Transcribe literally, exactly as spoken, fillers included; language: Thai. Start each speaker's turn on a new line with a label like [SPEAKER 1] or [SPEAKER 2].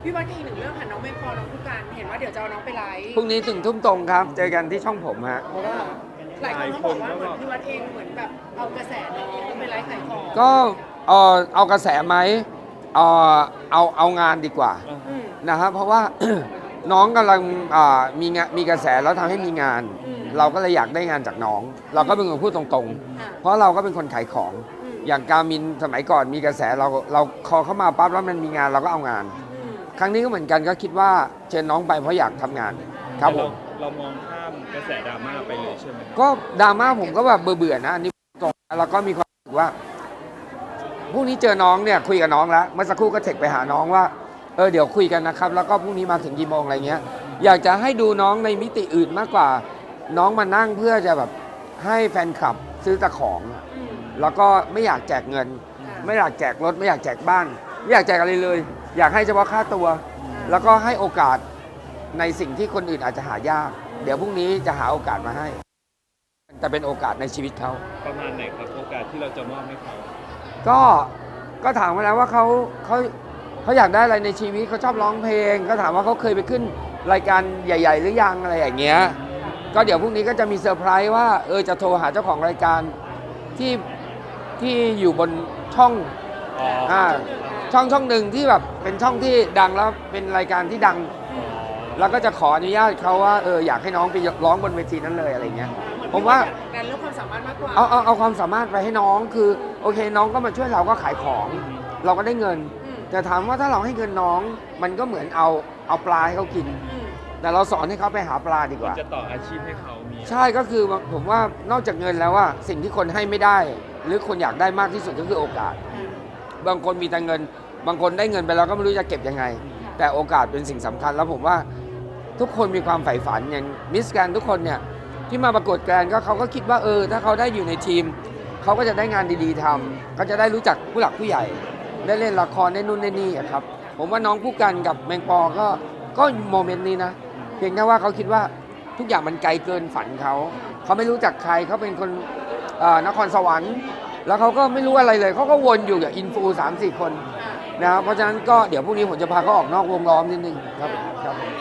[SPEAKER 1] พี่วัดก็อีกหนึ่งเรื่องค่ะน้องแมงปอน้องผู้การเห็นว่าเดี๋ยวจะเอาน้องไปไลฟ์
[SPEAKER 2] พรุ่งนี้ถึงทุ่มตรงครับเจอกันที่ช่องผมฮะ
[SPEAKER 1] เพราะว่าหลายคนเขาบอกว่าเหมือนพี่วัดเองเหมือนแบบเอากระแสน้องไปไลฟ์ขายของ
[SPEAKER 2] ก็เออเอากระแสไหมเออเอาเอางานดีกว่า
[SPEAKER 1] อืม
[SPEAKER 2] นะครับเพราะว่า น้องกำลังอ่ามีงานมีกระแสแล้วทำให้มีงาน
[SPEAKER 1] อืม
[SPEAKER 2] เราก็เลยอยากได้งานจากน้อง เราก็เป็นคนพูดตรง
[SPEAKER 1] อ่ะ
[SPEAKER 2] ๆ เพราะเราก็เป็นคนขายของ
[SPEAKER 1] อืม
[SPEAKER 2] อย่างการมินสมัยก่อนมีกระแสเราเราคอเข้ามาปั๊บแล้วมันมีงานเราก็เอางาน
[SPEAKER 1] อืม
[SPEAKER 2] ครั้งนี้ก็เหมือนกันก็คิดว่าเชิญน้องไปเพราะอยากทำงานครับผม
[SPEAKER 3] เรามองข้ามกระแสดราม่าไปเลยใช่ไหม
[SPEAKER 2] ก็ดราม่าผมก็แบบเบื่อๆนะอันนี้ตรงแล้วก็มีความรู้สึกว่าพรุ่งนี้เจอน้องเนี่ยคุยกับน้องแล้วเมื่อสักครู่ก็เทคไปหาน้องว่าเออเดี๋ยวคุยกันนะครับแล้วก็พรุ่งนี้มาถึงกี่โมงอะไรเงี้ยอยากจะให้ดูน้องในมิติอื่นมากกว่าน้องมานั่งเพื่อจะแบบให้แฟนคลับซื้อแต่ของ
[SPEAKER 1] อืม
[SPEAKER 2] แล้วก็ไม่อยากแจกเงิน ไม่อยากแจกรถไม่อยากแจกบ้านไม่อยากแจกอะไรเลย อยากให้เฉพาะค่าตัว แล้วก็ให้โอกาสในสิ่งที่คนอื่นอาจจะหายาก เดี๋ยวพรุ่งนี้จะหาโอกาสมาให้แต่เป็นโอกาสในชีวิตเขา
[SPEAKER 3] ประมาณไหนครับโอกาสที่เราจะมอบให้เขา
[SPEAKER 2] ก็ก็ถามมาแล้วว่าเขาเขาเขาอยากได้อะไรในชีวิตเขาชอบร้องเพลงก็ถามว่าเขาเคยไปขึ้นรายการใหญ่ ๆ หรือยังอะไรอย่างเงี้ยก็เดี๋ยวพรุ่งนี้ก็จะมีเซอร์ไพรส์ว่าเออจะโทรหาเจ้าของรายการที่ที่อยู่บนช่องอ่าช่องช่องหนึ่งที่แบบเป็นช่องที่ดังแล้วเป็นรายการที่ดัง แล้วก็จะขออนุญาตเขาว่าเอออยากให้น้องไปร้องบนเวทีนั้นเลยอะไรเงี้ยผมว่า
[SPEAKER 1] งานเรื่องความสามารถมากกว่า
[SPEAKER 2] เอาเอาเอาความสามารถไปให้น้องคือโอเคน้องก็มาช่วยเราก็ขายของ เราก็ได้เงิน
[SPEAKER 1] อืม
[SPEAKER 2] แต่ถามว่าถ้าเราให้เงินน้อง มันก็เหมือนเอาเอาปลาให้เขากิน
[SPEAKER 1] อืม
[SPEAKER 2] แต่เราสอนให้เขาไปหาปลาดีกว่า
[SPEAKER 3] จะต่ออาชีพให้เขามี
[SPEAKER 2] ใช่ก็คือผมว่านอกจากเงินแล้วว่าสิ่งที่คนให้ไม่ได้ หรือคนอยากได้มากที่สุดก็คือโอกาส บางคนมีแต่เงิน บางคนได้เงินไปแล้วก็ไม่รู้จะเก็บยังไง แต่โอกาสเป็นสิ่งสำคัญแล้วผมว่าทุกคนมีความใฝ่ฝันอย่างมิสแกรนด์ทุกคนเนี่ยที่มาประกวดแกรนด์ก็เขาก็คิดว่าเออถ้าเขาได้อยู่ในทีมเขาก็จะได้งานดีๆทำเขาจะได้รู้จักผู้หลักผู้ใหญ่ ได้เล่นละครได้นู่นได้นี่อะครับผมว่าน้องผู้กันกับแมงปอก็ก็โมเมนต์นี้นะเพียงแค่ว่าเขาคิดว่าทุกอย่างมันไกลเกินฝันเขาเขาไม่รู้จักใครเขาเป็นคนเอ่อนครสวรรค์ แล้วเขาก็ไม่รู้อะไรเลยเขาก็วนอยู่กับอินฟูสามสี่คนนะครับเพราะฉะนั้นก็เดี๋ยวพรุ่งนี้ผมจะพาเขาออกนอกวงล้อมนิดนึงครับครับ